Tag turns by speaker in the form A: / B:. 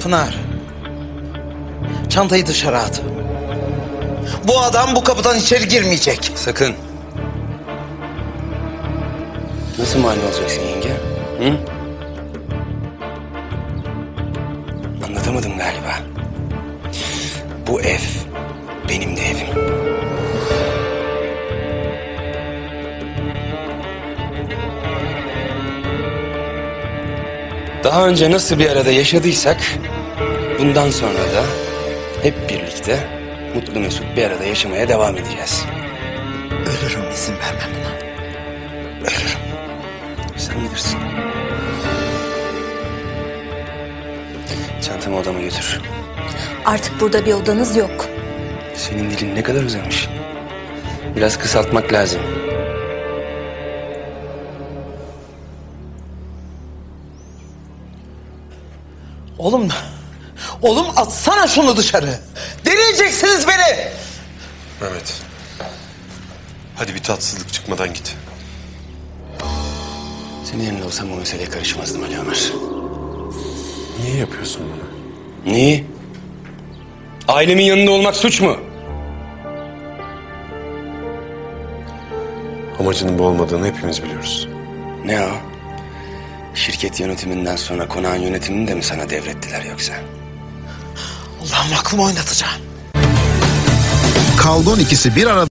A: Pınar. Çantayı dışarı at. Bu adam bu kapıdan içeri girmeyecek.
B: Sakın. Nasıl mani olacaksın yenge? Hı? Anlatamadım galiba. Bu ev benim de evim. Daha önce nasıl bir arada yaşadıysak bundan sonra da hep birlikte mutlu mesut bir arada yaşamaya devam edeceğiz.
A: Ölürüm, izin vermem buna. Ölürüm.
B: Sen bilirsin. Çantamı odama götür.
C: Artık burada bir odanız yok.
B: Senin dilin ne kadar uzamış. Biraz kısaltmak lazım.
A: Oğlum atsana şunu dışarı. Deneyeceksiniz beni.
D: Mehmet. Hadi bir tatsızlık çıkmadan git.
B: Senin yanında olsam bu meseleye karışmazdım Ali Ömer.
D: Niye yapıyorsun bunu?
B: Neyi? Ailemin yanında olmak suç mu?
D: Amacının bu olmadığını hepimiz biliyoruz.
B: Ne o? Şirket yönetiminden sonra konağın yönetimini de mi sana devrettiler yoksa?
A: Allah'ım aklımı oynatacağım.
E: Kaldon ikisi bir arada